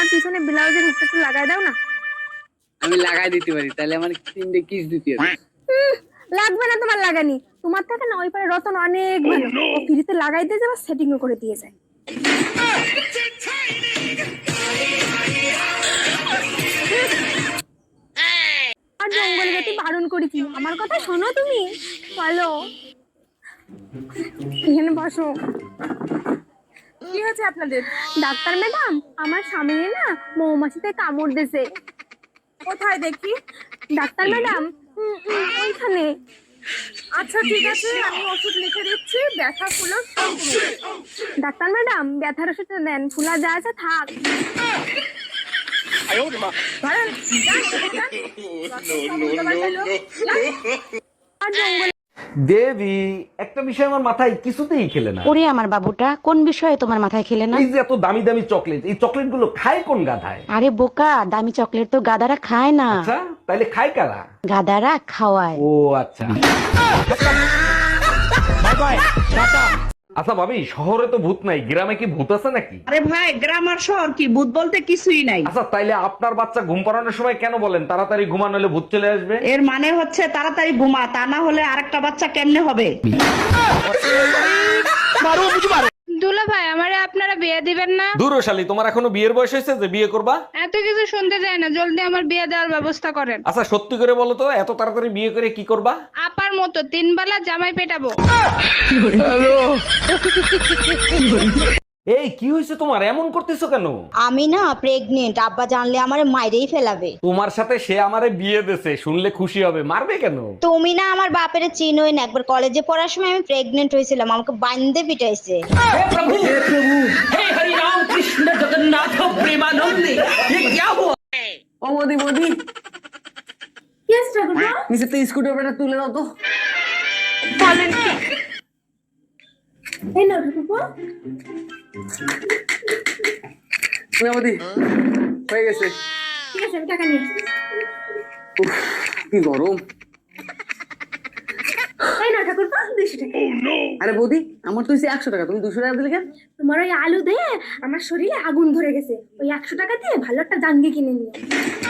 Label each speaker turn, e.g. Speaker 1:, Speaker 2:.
Speaker 1: পিছনে ব্লাউজের হুকটা একটু লাগাই দাও না।
Speaker 2: আমি লাগাই দিতে পারি, তাহলে আমার 3টে কিস দিতে হবে।
Speaker 1: লাগবে না তোমার লাগানি, তোমার থেকে না ওই পারে রতন অনেক ভালো, ও ফ্রিতে লাগাই দিয়ে যাবে, সেটিংও করে দিয়ে যায়। আর জঙ্গলে যেতে বারণ করেছি, আমার কথা শোনো তুমি। চলো এখানে বসো।
Speaker 3: কি হয়েছে আপনাদের?
Speaker 1: ডাক্তার ম্যাডাম, আমার স্বামীর না মৌমাছিতে কামড় দিয়েছে।
Speaker 3: কোথায় দেখি?
Speaker 1: ডাক্তার ম্যাডাম, ওইখানে।
Speaker 3: আচ্ছা ঠিক আছে, আমি ওষুধ লিখে দিচ্ছি, ব্যথা ফুলো সব কমবে।
Speaker 1: ডাক্তার ম্যাডাম, ব্যথার ওষুধটা দেন, ফুলা যা আছে থাক।
Speaker 3: ধরেন, যান, যান।
Speaker 1: আর জঙ্গলে
Speaker 4: দেবী, একটা বিষয় আমার মাথায় কিছুতেই খেলে না।
Speaker 5: ওরে আমার বাবুটা, কোন বিষয়ে তোমার মাথায় খেলে না?
Speaker 4: এই যে এত দামি দামি চকলেট, এই চকলেট গুলো খায় কোন গাধায়?
Speaker 5: আরে বোকা, দামি চকলেট তো গাদারা খায় না,
Speaker 4: আচ্ছা, তাইলে খায় কারা?
Speaker 5: গাদারা খাওয়ায়।
Speaker 4: ও আচ্ছা। আচ্ছা ভাবি, শহরে তো ভূত নাই, গ্রামে কি ভূত আছে নাকি?
Speaker 6: আরে ভাই, গ্রাম আর শহর কি, ভূত বলতে কিছুই নাই।
Speaker 4: আচ্ছা, তাইলে আপনার বাচ্চা ঘুম পাড়ানোর সময় কেন বলেন তাড়াতাড়ি ঘুমানো হলে ভূত চলে আসবে?
Speaker 6: এর মানে হচ্ছে তাড়াতাড়ি ঘুমা, তা না হলে আরেকটা বাচ্চা কেমনে হবে?
Speaker 7: দুলা ভাই, আমারে আপনারা বিয়ে দিবেন না?
Speaker 4: দূরশালী, তোমার এখনো বিয়ের বয়স হয়েছে যে বিয়ে করবা?
Speaker 7: এত কিছু শুনতে চাই না, জলদি আমার বিয়ে দেওয়ার ব্যবস্থা করেন।
Speaker 4: আচ্ছা সত্যি করে বলো তো, এত তাড়াতাড়ি বিয়ে করে কি করবা?
Speaker 7: আপার মতো 3 বেলা জামাই পেটাবো।
Speaker 4: এই কি হয়েছে তোমার, এমন করতেছো কেন?
Speaker 8: আমি না প্রেগনেন্ট, আব্বা জানলে আমারে মাইরেই ফেলাবে।
Speaker 4: তোমার সাথে সে আমারে বিয়ে দিছে, শুনলে খুশি হবে, মারবে কেন?
Speaker 8: তুমি না আমার বাপের চিনোই না, একবার কলেজে পড়ার সময় আমি প্রেগনেন্ট হয়েছিলাম, আমাকে বান্ধে পিটাইছে।
Speaker 2: ও মোদি মোদি,
Speaker 1: ইয়েস ঠাকুরপো।
Speaker 2: নিচে তো স্ক্রুড্রাইভারটা তুলে দাও তো।
Speaker 1: বলেন কি? এই নাও ঠাকুরপো।
Speaker 2: না মোদি, হয়ে গেছে।
Speaker 1: ঠিক আছে, আমি টাকা নিয়ে আসছি।
Speaker 2: উফ, কি গরম।
Speaker 1: এই নাও ঠাকুরপো, 200 টাকা।
Speaker 2: আরে বৌদি, আমার তো হচ্ছে 100 টাকা, তুমি 200 টাকা দিলে কেন?
Speaker 1: তোমার ওই আলু দিয়ে আমার শরীরে আগুন ধরে গেছে, ওই 100 টাকা দিয়ে ভালো একটা জাঙ্গি কিনে নিও।